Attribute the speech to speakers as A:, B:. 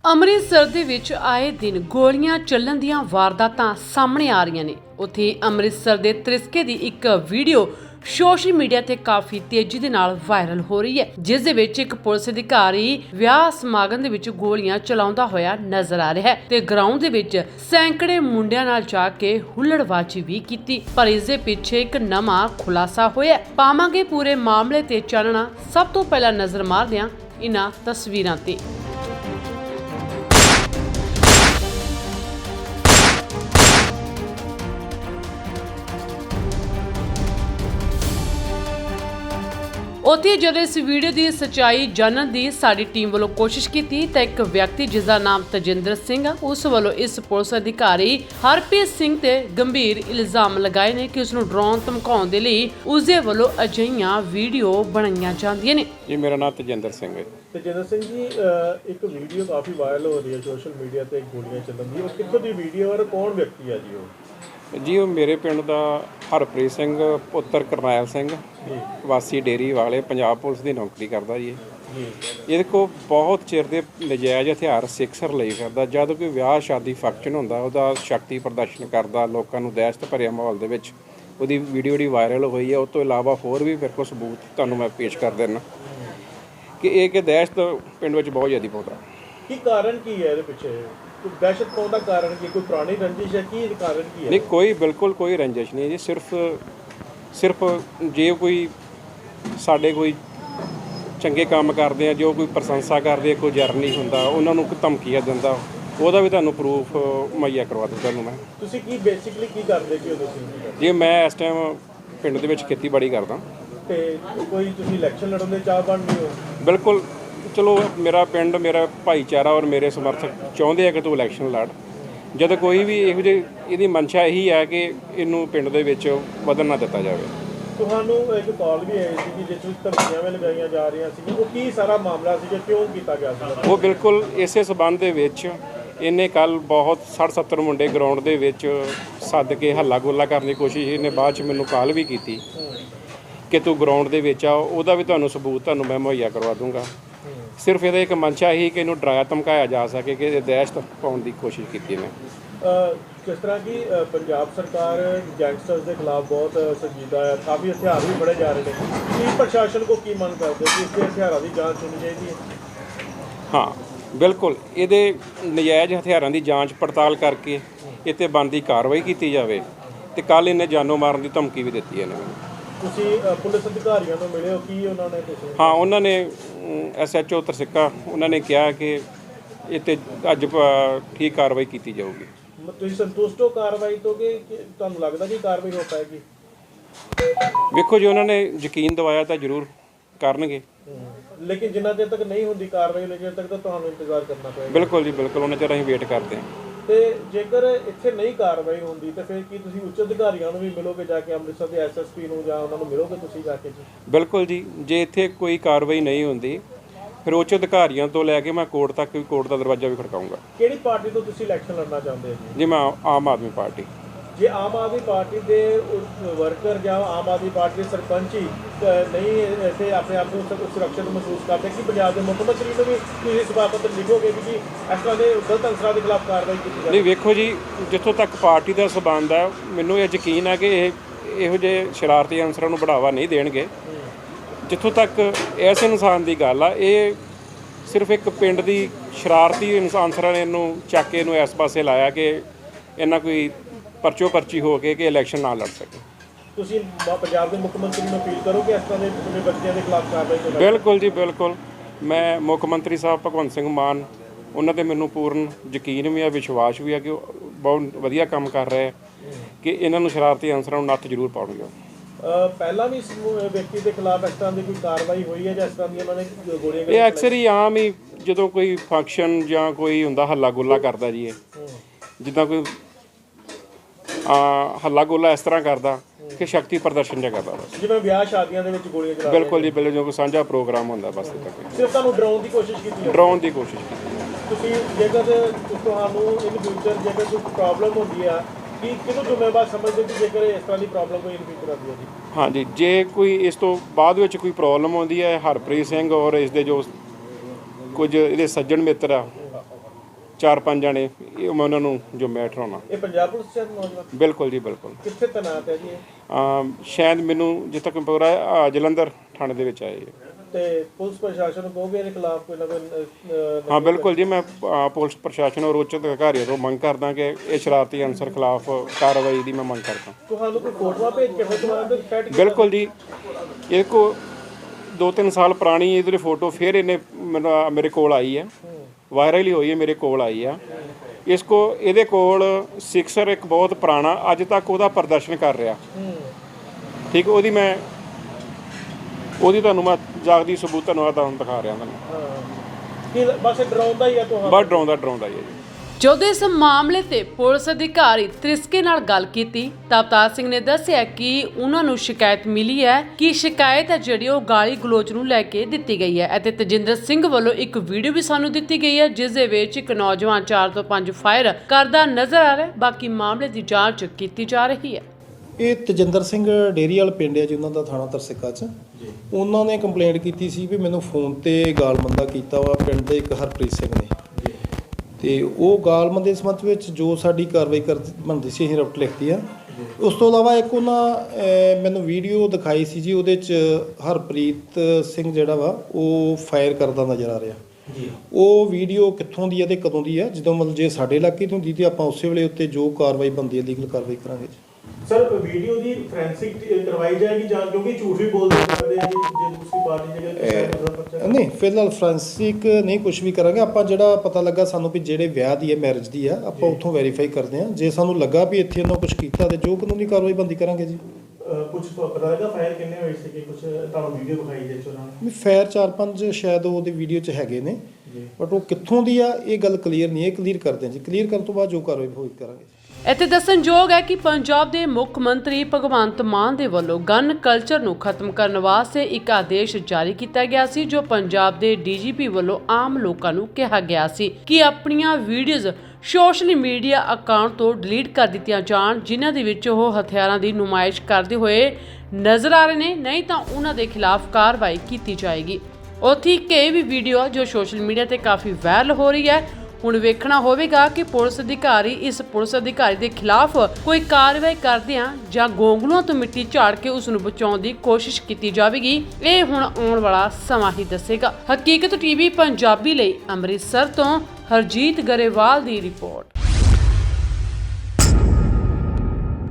A: ਅੰਮ੍ਰਿਤਸਰ ਦੇ ਵਿੱਚ ਆਏ ਦਿਨ ਗੋਲੀਆਂ ਚੱਲਣ ਦੀਆਂ ਵਾਰਦਾਤਾਂ ਸਾਹਮਣੇ ਆ ਰਹੀਆਂ ਨੇ। ਉੱਥੇ ਅੰਮ੍ਰਿਤਸਰ ਦੇ ਤ੍ਰਿਸਕੇ ਦੀ ਇੱਕ ਵੀਡੀਓ ਸੋਸ਼ਲ ਮੀਡੀਆ ਤੇ ਕਾਫੀ ਤੇਜ਼ੀ ਦੇ ਨਾਲ ਵਾਇਰਲ ਹੋ ਰਹੀ ਹੈ, ਜਿਸ ਦੇ ਵਿੱਚ ਇੱਕ ਪੁਲਿਸ ਅਧਿਕਾਰੀ ਵਿਆਹ ਸਮਾਗਮ ਦੇ ਵਿੱਚ ਗੋਲੀਆਂ ਚਲਾਉਂਦਾ ਹੋਇਆ ਨਜ਼ਰ ਆ ਰਿਹਾ ਹੈ ਤੇ ਗਰਾਊਂਡ ਦੇ ਵਿੱਚ ਸੈਂਕੜੇ ਮੁੰਡਿਆਂ ਨਾਲ ਜਾ ਕੇ ਹੁੱਲੜਬਾਜ਼ੀ ਵੀ ਕੀਤੀ। ਪਰ ਇਸ ਦੇ ਪਿੱਛੇ ਇੱਕ ਨਵਾਂ ਖੁਲਾਸਾ ਹੋਇਆ। ਪਾਵਾਂਗੇ ਪੂਰੇ ਮਾਮਲੇ ਤੇ ਚਾਨਣਾ। ਸਭ ਤੋਂ ਪਹਿਲਾਂ ਨਜ਼ਰ ਮਾਰਦੇ ਹਾਂ ਇਹਨਾਂ ਤਸਵੀਰਾਂ ਤੇ। ਉੱਥੇ ਜਦੋਂ ਇਸ ਵੀਡੀਓ ਦੀ ਸੱਚਾਈ ਜਾਣਨ ਦੀ ਸਾਡੀ ਟੀਮ ਵੱਲੋਂ ਕੋਸ਼ਿਸ਼ ਕੀਤੀ ਤਾਂ ਇੱਕ ਵਿਅਕਤੀ ਜਿਸ ਦਾ ਨਾਮ ਤਜਿੰਦਰ ਸਿੰਘ ਆ, ਉਸ ਵੱਲੋਂ ਇਸ ਪੁਲਿਸ ਅਧਿਕਾਰੀ ਹਰਪ੍ਰੀਤ ਸਿੰਘ ਤੇ ਗੰਭੀਰ ਇਲਜ਼ਾਮ ਲਗਾਏ ਨੇ ਕਿ ਉਸ ਨੂੰ ਡਰਾਉਣ ਧਮਕਾਉਣ ਦੇ ਲਈ ਉਸ ਦੇ ਵੱਲੋਂ ਅਜਿਹੀਆਂ ਵੀਡੀਓ ਬਣਾਈਆਂ ਜਾਂਦੀਆਂ ਨੇ।
B: ਜੀ ਮੇਰਾ ਨਾਮ ਤਜਿੰਦਰ ਸਿੰਘ ਹੈ।
C: ਤਜਿੰਦਰ ਸਿੰਘ ਜੀ, ਇੱਕ ਵੀਡੀਓ ਕਾਫੀ ਵਾਇਰਲ ਹੋ ਰਹੀ ਹੈ ਸੋਸ਼ਲ ਮੀਡੀਆ ਤੇ ਗੋਲੀਆਂ ਚੱਲਣ ਦੀ, ਉਹ ਕਿੱਥੋਂ ਦੀ ਵੀਡੀਓ ਔਰ ਕੌਣ ਵਿਅਕਤੀ ਹੈ ਜੀ ਉਹ?
B: ਜੀ ਉਹ ਮੇਰੇ ਪਿੰਡ ਦਾ ਹਰਪ੍ਰੀਤ ਸਿੰਘ ਪੁੱਤਰ ਕਰਨੈਲ ਸਿੰਘ ਵਾਸੀ ਡੇਰੀ ਵਾਲੇ ਪੰਜਾਬ ਪੁਲਿਸ ਦੀ ਨੌਕਰੀ ਕਰਦਾ ਜੀ। ਇਹਦੇ ਕੋਲ ਬਹੁਤ ਚਿਰ ਦੇ ਨਜਾਇਜ਼ ਹਥਿਆਰ ਸਿੱਖਸਰ ਲਈ ਫਿਰਦਾ। ਜਦ ਕੋਈ ਵਿਆਹ ਸ਼ਾਦੀ ਫੰਕਸ਼ਨ ਹੁੰਦਾ ਉਹਦਾ ਸ਼ਕਤੀ ਪ੍ਰਦਰਸ਼ਨ ਕਰਦਾ, ਲੋਕਾਂ ਨੂੰ ਦਹਿਸ਼ਤ ਭਰਿਆ ਮਾਹੌਲ ਦੇ ਵਿੱਚ ਉਹਦੀ ਵੀਡੀਓ ਜਿਹੜੀ ਵਾਇਰਲ ਹੋਈ ਹੈ। ਉਸ ਤੋਂ ਇਲਾਵਾ ਹੋਰ ਵੀ ਮੇਰੇ ਕੋਲ ਸਬੂਤ ਤੁਹਾਨੂੰ ਮੈਂ ਪੇਸ਼ ਕਰ ਦਿੰਦਾ ਕਿ ਇਹ ਕਿ ਦਹਿਸ਼ਤ ਪਿੰਡ ਵਿੱਚ ਬਹੁਤ ਜ਼ਿਆਦਾ ਪਾਉਂਦਾ।
C: ਕੀ ਕਾਰਨ ਕੀ ਹੈ ਇਹਦੇ ਪਿੱਛੇ? ਕੋਈ ਦਹਿਸ਼ਤ ਪਾਉਣ ਦਾ ਕਾਰਨ ਕੀ? ਕੋਈ ਪੁਰਾਣੀ ਰੰਜਿਸ਼ ਹੈ? ਕੀ ਕਾਰਨ ਕੀ ਹੈ?
B: ਨਹੀਂ, ਕੋਈ ਬਿਲਕੁਲ ਕੋਈ ਰੰਜਿਸ਼ ਨਹੀਂ ਜੀ। ਸਿਰਫ ਜੇ ਕੋਈ ਸਾਡੇ ਕੋਈ ਚੰਗੇ ਕੰਮ ਕਰਦੇ ਆ, ਜੋ ਕੋਈ ਪ੍ਰਸ਼ੰਸਾ ਕਰਦੇ, ਕੋਈ ਜਰਨੀ ਹੁੰਦਾ, ਉਹਨਾਂ ਨੂੰ ਕੋਈ ਧਮਕੀਆਂ ਦਿੰਦਾ, ਉਹਦਾ ਵੀ ਤੁਹਾਨੂੰ ਪ੍ਰੂਫ ਮੁਹੱਈਆ ਕਰਵਾ ਦੂੰ ਤੁਹਾਨੂੰ ਮੈਂ।
C: ਤੁਸੀਂ ਕੀ ਬੇਸਿਕਲੀ ਕੀ ਕਰਦੇ ਕਿ ਉਦੋਂ ਸੀ?
B: ਜੀ ਮੈਂ ਇਸ ਟਾਈਮ ਪਿੰਡ ਦੇ ਵਿੱਚ ਖੇਤੀਬਾੜੀ ਕਰਦਾ।
C: ਤੇ ਕੋਈ ਤੁਸੀਂ ਇਲੈਕਸ਼ਨ ਲੜਨ ਦੇ ਚਾਹ ਬਣ ਰਹੇ ਹੋ?
B: ਬਿਲਕੁਲ। ਚਲੋ ਮੇਰਾ ਪਿੰਡ, ਮੇਰਾ ਭਾਈਚਾਰਾ ਔਰ ਮੇਰੇ ਸਮਰਥਕ ਚਾਹੁੰਦੇ ਆ ਕਿ ਤੂੰ ਇਲੈਕਸ਼ਨ ਲੜ। ਜਦ ਕੋਈ ਵੀ ਇਹੋ ਜਿਹੀ ਇਹਦੀ ਮਨਸ਼ਾ ਇਹੀ ਹੈ ਕਿ ਇਹਨੂੰ ਪਿੰਡ ਦੇ ਵਿੱਚ ਵਧਣ ਨਾ ਦਿੱਤਾ ਜਾਵੇ।
C: ਤੁਹਾਨੂੰ ਇੱਕ ਕਾਲ ਵੀ ਆਈ ਸੀ ਜਿਸ ਵਿੱਚ ਧਮਕੀਆਂ ਵੀ ਲਗਾਈਆਂ ਜਾ ਰਹੀਆਂ ਸੀ, ਉਹ ਕੀ ਸਾਰਾ ਮਾਮਲਾ ਸੀ ਕਿ ਕਿਉਂ ਕੀਤਾ ਗਿਆ ਸੀ?
B: ਉਹ ਬਿਲਕੁਲ ਇਸੇ ਸਬੰਧ ਦੇ ਵਿੱਚ ਇਹਨੇ ਕੱਲ ਬਹੁਤ 60-70 ਮੁੰਡੇ ਗਰਾਊਂਡ ਦੇ ਵਿੱਚ ਸੱਦ ਕੇ ਹੱਲਾ ਗੋਲਾ ਕਰਨ ਦੀ ਕੋਸ਼ਿਸ਼। ਇਹਨੇ ਬਾਅਦ 'ਚ ਮੈਨੂੰ ਕਾਲ ਵੀ ਕੀਤੀ ਕਿ ਤੂੰ ਗਰਾਊਂਡ ਦੇ ਵਿੱਚ ਆ। ਉਹਦਾ ਵੀ ਤੁਹਾਨੂੰ ਸਬੂਤ ਤੁਹਾਨੂੰ ਮੈਂ ਮੁਹੱਈਆ ਕਰਵਾ ਦੂੰਗਾ। ਸਿਰਫ ਇਹਦਾ ਇੱਕ ਮਨਸ਼ਾ ਹੀ ਕਿ ਇਹਨੂੰ ਡਰਾਇਆ ਧਮਕਾਇਆ ਜਾ ਸਕੇ ਕਿ ਇਹ ਦਹਿਸ਼ਤ ਪਾਉਣ ਦੀ ਕੋਸ਼ਿਸ਼ ਕੀਤੀ ਨੇ।
C: ਜਿਸ ਤਰ੍ਹਾਂ ਕਿ ਪੰਜਾਬ ਸਰਕਾਰ ਗੈਂਗਸਟਰਸ ਦੇ ਖਿਲਾਫ ਬਹੁਤ ਸੰਜੀਦਾ ਹੈ, ਕਾਫੀ ਹਥਿਆਰ ਵੀ ਫੜੇ ਜਾ ਰਹੇ ਨੇ। ਕੀ ਪ੍ਰਸ਼ਾਸਨ ਕੋ ਕੀ ਮੰਗ ਕਰਦੇ ਕਿ ਇਸ ਦੇ ਹਥਿਆਰਾਂ ਦੀ ਜਾਂਚ ਹੋਣੀ ਚਾਹੀਦੀ ਹੈ?
B: ਹਾਂ ਬਿਲਕੁਲ, ਇਹਦੇ ਨਜਾਇਜ਼ ਹਥਿਆਰਾਂ ਦੀ ਜਾਂਚ ਪੜਤਾਲ ਕਰਕੇ ਇਹ 'ਤੇ ਬਣਦੀ ਕਾਰਵਾਈ ਕੀਤੀ ਜਾਵੇ। ਅਤੇ ਕੱਲ੍ਹ ਇਹਨੇ ਜਾਨੋਂ ਮਾਰਨ ਦੀ ਧਮਕੀ ਵੀ ਦਿੱਤੀ ਇਹਨੇ ਮੈਨੂੰ।
C: ਤੁਸੀਂ ਪੁਲਿਸ ਅਧਿਕਾਰੀਆਂ ਨੂੰ ਮਿਲੇ ਹੋ, ਕੀ ਉਹਨਾਂ ਨੇ ਕੁਛ?
B: ਹਾਂ, ਉਹਨਾਂ ਨੇ SHO ਤ੍ਰਿਸਕਾ ਉਹਨਾਂ ਨੇ ਕਿਹਾ ਕਿ ਇਹ 'ਤੇ ਅੱਜ ਠੀਕ ਕਾਰਵਾਈ ਕੀਤੀ ਜਾਊਗੀ।
C: ਤੁਸੀਂ ਸੰਤੁਸ਼ਟ ਹੋ ਕਾਰਵਾਈ ਤੋਂ ਕਿ ਤੁਹਾਨੂੰ ਲੱਗਦਾ ਕਿ ਕਾਰਵਾਈ ਹੋ ਪਾਏਗੀ?
B: ਵੇਖੋ ਜੀ, ਉਹਨਾਂ ਨੇ ਯਕੀਨ ਦਿਵਾਇਆ ਤਾਂ ਜ਼ਰੂਰ ਕਰਨਗੇ,
C: ਲੇਕਿਨ ਜਿੰਨਾ ਚਿਰ ਤੱਕ ਨਹੀਂ ਹੁੰਦੀ ਕਾਰਵਾਈ, ਉਨਾ ਚਿਰ ਤੱਕ ਤਾਂ ਤੁਹਾਨੂੰ ਇੰਤਜ਼ਾਰ ਕਰਨਾ ਪਏਗਾ।
B: ਬਿਲਕੁਲ ਜੀ ਬਿਲਕੁਲ, ਉਹਨਾਂ ਚਿਰ ਅਸੀਂ ਵੇਟ ਕਰਦੇ ਹਾਂ।
C: ਤੇ ਜੇਕਰ ਇੱਥੇ ਨਹੀਂ ਕਾਰਵਾਈ ਹੁੰਦੀ ਤਾਂ ਫਿਰ ਕੀ ਤੁਸੀਂ ਉੱਚ ਅਧਿਕਾਰੀਆਂ ਨੂੰ ਵੀ ਮਿਲੋਗੇ ਜਾ ਕੇ? ਅੰਮ੍ਰਿਤਸਰ ਦੇ SSP ਨੂੰ ਜਾਂ ਉਹਨਾਂ ਨੂੰ ਮਿਲੋਗੇ ਤੁਸੀਂ ਜਾ ਕੇ? ਜੀ
B: ਬਿਲਕੁਲ ਜੀ, ਜੇ ਇੱਥੇ ਕੋਈ ਕਾਰਵਾਈ ਨਹੀਂ ਹੁੰਦੀ ਫਿਰ ਉੱਚ ਅਧਿਕਾਰੀਆਂ ਤੋਂ ਲੈ ਕੇ ਮੈਂ ਕੋਰਟ ਤੱਕ ਵੀ, ਕੋਰਟ ਦਾ ਦਰਵਾਜ਼ਾ ਵੀ ਖੜਕਾਊਂਗਾ।
C: ਕਿਹੜੀ ਪਾਰਟੀ ਤੋਂ ਤੁਸੀਂ ਇਲੈਕਸ਼ਨ ਲੜਨਾ ਚਾਹੁੰਦੇ ਹੋ ਜੀ?
B: ਜੀ ਮੈਂ ਆਮ ਆਦਮੀ ਪਾਰਟੀ।
C: ਜੇ ਆਮ ਆਦਮੀ ਪਾਰਟੀ ਦੇ ਵਰਕਰ ਜਾਂ ਆਮ ਆਦਮੀ ਪਾਰਟੀ ਦੇ ਸਰਪੰਚ ਹੀ ਨਹੀਂ ਇੱਥੇ ਆਪਣੇ ਆਪ ਨੂੰ ਸੁਰੱਖਿਅਤ ਮਹਿਸੂਸ ਕਰਦੇ, ਕਿ ਪੰਜਾਬ ਦੇ ਮੁੱਖ ਮੰਤਰੀ ਨੂੰ ਵੀ ਤੁਸੀਂ ਸਭਾ ਪੱਤਰ ਲਿਖੋਗੇ ਕਿ ਇਸ ਤਰ੍ਹਾਂ ਦੇ ਗਲਤ ਅਨਸਰਾਂ ਦੇ ਖਿਲਾਫ ਕਾਰਵਾਈ ਕੀਤੀ ਜਾਵੇ?
B: ਨਹੀਂ, ਵੇਖੋ ਜੀ, ਜਿੱਥੋਂ ਤੱਕ ਪਾਰਟੀ ਦਾ ਸਬੰਧ ਹੈ, ਮੈਨੂੰ ਇਹ ਯਕੀਨ ਹੈ ਕਿ ਇਹੋ ਜਿਹੇ ਸ਼ਰਾਰਤੀ ਅਨਸਰਾਂ ਨੂੰ ਬੜਾਵਾ ਨਹੀਂ ਦੇਣਗੇ। ਜਿੱਥੋਂ ਤੱਕ ਇਸ ਇਨਸਾਨ ਦੀ ਗੱਲ ਆ, ਇਹ ਸਿਰਫ ਇੱਕ ਪਿੰਡ ਦੀ ਸ਼ਰਾਰਤੀ ਅਨਸਰਾਂ ਨੇ ਇਹਨੂੰ ਚੱਕ ਕੇ ਇਹਨੂੰ ਇਸ ਪਾਸੇ ਲਾਇਆ ਕਿ ਇਹਨਾਂ ਕੋਈ ਪਰਚੋ ਪਰਚੀ ਹੋ ਕੇ ਕਿ ਇਲੈਕਸ਼ਨ ਨਾ ਲੜ ਸਕੇ।
C: ਤੁਸੀਂ ਪੰਜਾਬ ਦੇ ਮੁੱਖ ਮੰਤਰੀ ਨੂੰ ਅਪੀਲ ਕਰੋ ਕਿ ਇਸ ਤਰ੍ਹਾਂ ਦੇ ਬੱਚਿਆਂ ਦੇ ਖਿਲਾਫ ਕਾਰਵਾਈ ਕਰੋ?
B: ਬਿਲਕੁਲ ਜੀ ਬਿਲਕੁਲ। ਮੈਂ ਮੁੱਖ ਮੰਤਰੀ ਸਾਹਿਬ ਭਗਵੰਤ ਸਿੰਘ ਮਾਨ, ਉਹਨਾਂ 'ਤੇ ਮੈਨੂੰ ਪੂਰਨ ਯਕੀਨ ਵੀ ਆ, ਵਿਸ਼ਵਾਸ ਵੀ ਆ ਕਿ ਉਹ ਬਹੁਤ ਵਧੀਆ ਕੰਮ ਕਰ ਰਹੇ ਕਿ ਇਹਨਾਂ ਨੂੰ ਸ਼ਰਾਰਤੀ ਅਨਸਰਾਂ ਨੂੰ ਨੱਥ ਜ਼ਰੂਰ ਪਾਉਣਗੇ।
C: ਪਹਿਲਾਂ ਵੀ ਇਸ ਵਿਅਕਤੀ ਦੇ ਖਿਲਾਫ ਇਸ ਤਰ੍ਹਾਂ ਦੀ ਕੋਈ ਕਾਰਵਾਈ ਹੋਈ ਹੈ ਜਾਂ ਇਸ ਤਰ੍ਹਾਂ ਦੀ ਉਹਨਾਂ ਨੇ ਗੋਲੀਆਂ?
B: ਇਹ ਅਕਸਰ ਹੀ ਆਮ ਹੀ ਜਦੋਂ ਕੋਈ ਫੰਕਸ਼ਨ ਜਾਂ ਕੋਈ ਹੁੰਦਾ ਹੱਲਾ ਗੋਲਾ ਕਰਦਾ ਜੀ, ਇਹ ਜਿੱਦਾਂ ਕੋਈ ਹੱਲਾ ਗੋਲਾ ਇਸ ਤਰ੍ਹਾਂ ਕਰਦਾ ਕਿ ਸ਼ਕਤੀ ਪ੍ਰਦਰਸ਼ਨ ਜਿਹਾ ਕਰਦਾ ਬਸ।
C: ਜਿਵੇਂ ਵਿਆਹ ਸ਼ਾਦੀਆਂ ਦੇ ਵਿੱਚ ਗੋਲੀਆਂ ਚਲਾ?
B: ਬਿਲਕੁਲ ਜੀ ਬਿਲਕੁਲ, ਜੋ ਕੋਈ ਸਾਂਝਾ ਪ੍ਰੋਗਰਾਮ ਹੁੰਦਾ ਬਸ
C: ਸਿਰਫ ਤੁਹਾਨੂੰ ਡਰਾਉਣ ਦੀ ਕੋਸ਼ਿਸ਼ ਕੀਤੀ?
B: ਡਰਾਉਣ ਦੀ ਕੋਸ਼ਿਸ਼ ਕੀਤੀ।
C: ਤੁਸੀਂ ਜੇਕਰ ਤੁਹਾਨੂੰ ਇਨ ਫਿਊਚਰ ਜੇਕਰ ਕੋਈ ਪ੍ਰੋਬਲਮ ਹੁੰਦੀ ਆ, ਕੀ ਕਿਹਨੂੰ ਜ਼ਿੰਮੇਵਾਰ ਸਮਝਦੇ ਕਿ ਜੇਕਰ ਇਸ ਤਰ੍ਹਾਂ ਦੀ ਪ੍ਰੋਬਲਮ ਕੋਈ ਇਨ ਫਿਊਚਰ ਆਉਂਦੀ ਹੈ ਜੀ?
B: ਹਾਂਜੀ, ਜੇ ਕੋਈ ਇਸ ਤੋਂ ਬਾਅਦ ਵਿੱਚ ਕੋਈ ਪ੍ਰੋਬਲਮ ਆਉਂਦੀ ਹੈ, ਹਰਪ੍ਰੀਤ ਸਿੰਘ ਔਰ ਇਸ ਦੇ ਜੋ ਕੁਝ ਇਹਦੇ ਸੱਜਣ ਮਿੱਤਰ ਆ, 4-5 ਜਣੇ ਇਹ ਮੈਂ ਉਹਨਾਂ ਨੂੰ ਜ਼ਿੰਮੇਵਾਰ ਠਹਿਰਾਉਣਾ।
C: ਇਹ ਪੰਜਾਬ ਪੁਲਿਸ ਦੇ ਨੌਜਵਾਨ
B: ਬਿਲਕੁਲ ਜੀ ਬਿਲਕੁਲ।
C: ਕਿੱਥੇ ਤੈਨਾਤ ਹੈ ਜੀ ਇਹ?
B: ਸ਼ਾਇਦ ਮੈਨੂੰ ਜਿੱਥੇ ਤੱਕ ਪਤਾ ਹੈ ਜਲੰਧਰ ਥਾਣੇ ਦੇ ਵਿੱਚ ਆਏ।
C: ਤੇ ਪੁਲਿਸ ਪ੍ਰਸ਼ਾਸਨ ਨੂੰ ਕਹੋਗੇ ਇਹਦੇ ਖਿਲਾਫ ਕੋਈ ਨਾ ਕੋਈ
B: ਹਾਂ ਬਿਲਕੁਲ ਜੀ, ਮੈਂ ਪੁਲਿਸ ਪ੍ਰਸ਼ਾਸਨ ਔਰ ਉੱਚ ਅਧਿਕਾਰੀਆਂ ਤੋਂ ਮੰਗ ਕਰਦਾ ਕਿ ਇਹ ਸ਼ਰਾਰਤੀ ਅਨਸਰ ਖਿਲਾਫ ਕਾਰਵਾਈ ਦੀ ਮੈਂ ਮੰਗ ਕਰਦਾ।
C: ਤੁਹਾਨੂੰ ਕੋਈ ਫੋਟੋਆਂ ਭੇਜ ਕੇ ਫਿਰ ਦੁਬਾਰਾ ਸੈੱਟ
B: ਬਿਲਕੁਲ ਜੀ, ਇਹ ਕੋ 2-3 ਸਾਲ ਪੁਰਾਣੀ ਇਹਦੀ ਫੋਟੋ ਫਿਰ ਇਹਨੇ ਮੇਰੇ ਕੋਲ ਆਈ ਹੈ, ਵਾਇਰਲ ਹੀ ਹੋਈ ਹੈ, ਮੇਰੇ ਕੋਲ ਆਈ ਆ। ਇਹਦੇ ਕੋਲ ਸਿਕਸਰ ਇੱਕ ਬਹੁਤ ਪੁਰਾਣਾ ਅੱਜ ਤੱਕ ਉਹਦਾ ਪ੍ਰਦਰਸ਼ਨ ਕਰ ਰਿਹਾ। ਠੀਕ, ਉਹਦੀ ਤੁਹਾਨੂੰ ਮੈਂ ਜਾਗਦੀ ਸਬੂਤ ਤੁਹਾਨੂੰ ਦਿਖਾ ਰਿਹਾ ਤੁਹਾਨੂੰ।
C: ਕੀ ਬਸ ਡਰਾਉਂਦਾ ਹੀ ਆ ਤੁਹਾਨੂੰ?
B: ਬਸ ਡਰਾਉਂਦਾ ਹੀ ਹੈ ਜੀ।
A: ਜਦੋਂ ਇਸ ਮਾਮਲੇ ਤੇ ਪੁਲਿਸ ਅਧਿਕਾਰੀ ਤ੍ਰਿਸਕੇ ਨਾਲ ਗੱਲ ਕੀਤੀ ਤਾਂ ਅਵਤਾਰ ਸਿੰਘ ਨੇ ਦੱਸਿਆ ਕਿ ਉਹਨਾਂ ਨੂੰ ਸ਼ਿਕਾਇਤ ਮਿਲੀ ਹੈ ਕਿ ਸ਼ਿਕਾਇਤ ਹੈ ਜਿਹੜੀ ਉਹ ਗਾਲੀ ਗਲੋਚ ਨੂੰ ਲੈ ਕੇ ਦਿੱਤੀ ਗਈ ਹੈ ਅਤੇ ਤਜਿੰਦਰ ਸਿੰਘ ਵੱਲੋਂ ਇੱਕ ਵੀਡੀਓ ਵੀ ਸਾਨੂੰ ਦਿੱਤੀ ਗਈ ਹੈ ਜਿਸ ਦੇ ਵਿੱਚ ਇੱਕ ਨੌਜਵਾਨ 4 ਤੋਂ 5 ਫਾਇਰ ਕਰਦਾ ਨਜ਼ਰ ਆ ਰਿਹਾ। ਬਾਕੀ ਮਾਮਲੇ ਦੀ ਜਾਂਚ ਕੀਤੀ ਜਾ ਰਹੀ ਹੈ।
D: ਇਹ ਤਜਿੰਦਰ ਸਿੰਘ ਡੇਰੀ ਵਾਲ ਪਿੰਡ ਹੈ ਜੀ, ਉਹਨਾਂ ਦਾ ਥਾਣਾ ਤਰਸਿੱਕਾ 'ਚ। ਉਹਨਾਂ ਨੇ ਕੰਪਲੇਂਟ ਕੀਤੀ ਸੀ ਵੀ ਮੈਨੂੰ ਫੋਨ ਤੇ ਗਾਲਮੰਦਾ ਕੀਤਾ ਵਾ ਪਿੰਡ ਦੇ ਇੱਕ ਹਰਪ੍ਰੀਤ ਸਿੰਘ ਨੇ, ਤੇ ਉਹ ਗਾਲਮੰਦ ਦੇ ਸੰਬੰਧ ਵਿੱਚ ਜੋ ਸਾਡੀ ਕਾਰਵਾਈ ਬਣਦੀ ਸੀ ਅਸੀਂ ਰਿਪੋਰਟ ਲਿਖਤੀ ਆ। ਉਸ ਤੋਂ ਇਲਾਵਾ ਇੱਕ ਉਹਨਾਂ ਮੈਨੂੰ ਵੀਡੀਓ ਦਿਖਾਈ ਸੀ ਜੀ, ਉਹਦੇ 'ਚ ਹਰਪ੍ਰੀਤ ਸਿੰਘ ਜਿਹੜਾ ਵਾ ਉਹ ਫਾਇਰ ਕਰਦਾ ਨਜ਼ਰ ਆ ਰਿਹਾ। ਉਹ ਵੀਡੀਓ ਕਿੱਥੋਂ ਦੀ ਹੈ ਤੇ ਕਦੋਂ ਦੀ ਹੈ? ਜਦੋਂ ਮਤਲਬ ਜੇ ਸਾਡੇ ਇਲਾਕੇ ਤੋਂ ਹੁੰਦੀ ਤੇ ਆਪਾਂ ਉਸੇ ਵੇਲੇ ਉੱਤੇ ਜੋ ਕਾਰਵਾਈ ਬਣਦੀ ਹੈ ਲੀਗਲ ਕਾਰਵਾਈ ਕਰਾਂਗੇ ਜੀ।
C: ਸਰ ਵੀਡੀਓ ਦੀ ਫੋਰੈਂਸਿਕ ਕਰਵਾਈ ਜਾਏਗੀ ਜਾਂ ਕਿਉਂਕਿ ਝੂਠ ਵੀ ਬੋਲ ਸਕਦੇ ਆ ਜੀ ਜੇ ਦੂਸਰੀ ਪਾਰਟੀ ਜਿਹੜੇ
D: ਨਹੀਂ, ਫਿਲਹਾਲ ਫੋਰੈਂਸਿਕ ਨਹੀਂ ਕੁਝ ਵੀ ਕਰਾਂਗੇ ਆਪਾਂ। ਜਿਹੜਾ ਪਤਾ ਲੱਗਾ ਸਾਨੂੰ ਵੀ ਜਿਹੜੇ ਵਿਆਹ ਦੀ ਹੈ, ਮੈਰਿਜ ਦੀ ਆ, ਆਪਾਂ ਉੱਥੋਂ ਵੈਰੀਫਾਈ ਕਰਦੇ ਹਾਂ। ਜੇ ਸਾਨੂੰ ਲੱਗਾ ਵੀ ਇੱਥੇ ਉਹਨਾਂ ਕੁਝ ਕੀਤਾ ਤੇ ਜੋ ਕਾਨੂੰਨੀ ਕਾਰਵਾਈ ਬੰਦੀ ਕਰਾਂਗੇ ਜੀ।
C: ਕੁਝ ਪਤਾ ਲੱਗਾ ਫਾਇਰ ਕਿੰਨੇ ਹੋਏ ਸੀ ਕਿ ਕੁਝ ਤੁਹਾਨੂੰ ਵੀਡੀਓ ਵਿਖਾਈ ਦੇ ਚੋਂ
D: ਵੀ ਫਾਇਰ 4-5 ਸ਼ਾਇਦ ਉਹਦੇ ਵੀਡੀਓ 'ਚ ਹੈਗੇ ਨੇ, ਬਟ ਉਹ ਕਿੱਥੋਂ ਦੀ ਆ ਇਹ ਗੱਲ ਕਲੀਅਰ ਨਹੀਂ ਹੈ। ਕਲੀਅਰ ਕਰਦੇ ਹਾਂ ਜੀ, ਕਲੀਅਰ ਕਰਨ ਤੋਂ ਬਾਅਦ ਜੋ ਕਾਰਵਾਈ ਹੋਈ ਕਰਾਂਗੇ।
A: ਇੱਥੇ ਦੱਸਣਯੋਗ ਹੈ ਕਿ ਪੰਜਾਬ ਦੇ ਮੁੱਖ ਮੰਤਰੀ ਭਗਵੰਤ ਮਾਨ ਦੇ ਵੱਲੋਂ ਗਨ ਕਲਚਰ ਨੂੰ ਖਤਮ ਕਰਨ ਵਾਸਤੇ ਇੱਕ ਆਦੇਸ਼ ਜਾਰੀ ਕੀਤਾ ਗਿਆ ਸੀ, ਜੋ ਪੰਜਾਬ ਦੇ ਡੀਜੀਪੀ ਵੱਲੋਂ ਆਮ ਲੋਕਾਂ ਨੂੰ ਕਿਹਾ ਗਿਆ ਸੀ ਕਿ ਆਪਣੀਆਂ ਵੀਡੀਓਜ਼ ਸੋਸ਼ਲ ਮੀਡੀਆ ਅਕਾਊਂਟ ਤੋਂ ਡਿਲੀਟ ਕਰ ਦਿੱਤੀਆਂ ਜਾਣ ਜਿਨ੍ਹਾਂ ਦੇ ਵਿੱਚ ਉਹ ਹਥਿਆਰਾਂ ਦੀ ਨੁਮਾਇਸ਼ ਕਰਦੇ ਹੋਏ ਨਜ਼ਰ ਆ ਰਹੇ ਨੇ, ਨਹੀਂ ਤਾਂ ਉਹਨਾਂ ਦੇ ਖਿਲਾਫ ਕਾਰਵਾਈ ਕੀਤੀ ਜਾਏਗੀ। ਉੱਥੇ ਇੱਕ ਇਹ ਵੀ ਵੀਡੀਓ ਜੋ ਸੋਸ਼ਲ ਮੀਡੀਆ ਤੇ ਕਾਫੀ ਵਾਇਰਲ ਹੋ ਰਹੀ ਹੈ। ਹੁਣ ਵੇਖਣਾ ਹੋਵੇਗਾ ਕਿ ਪੁਲਿਸ ਅਧਿਕਾਰੀ ਦੇ ਖਿਲਾਫ ਕੋਈ ਕਾਰਵਾਈ ਕਰਦਿਆਂ ਜਾਂ ਗੋਂਗਲੂਆਂ ਤੋਂ ਮਿੱਟੀ ਝਾੜ ਕੇ ਉਸ ਨੂੰ ਬਚਾਉਣ ਦੀ ਕੋਸ਼ਿਸ਼ ਕੀਤੀ ਜਾਵੇਗੀ। ਇਹ ਹੁਣ ਆਉਣ ਵਾਲਾ ਸਮਾਂ ਹੀ ਦੱਸੇਗਾ। ਹਕੀਕਤ ਟੀਵੀ ਪੰਜਾਬੀ ਲਈ ਅੰਮ੍ਰਿਤਸਰ ਤੋਂ ਹਰਜੀਤ ਗਰੇਵਾਲ ਦੀ ਰਿਪੋਰਟ।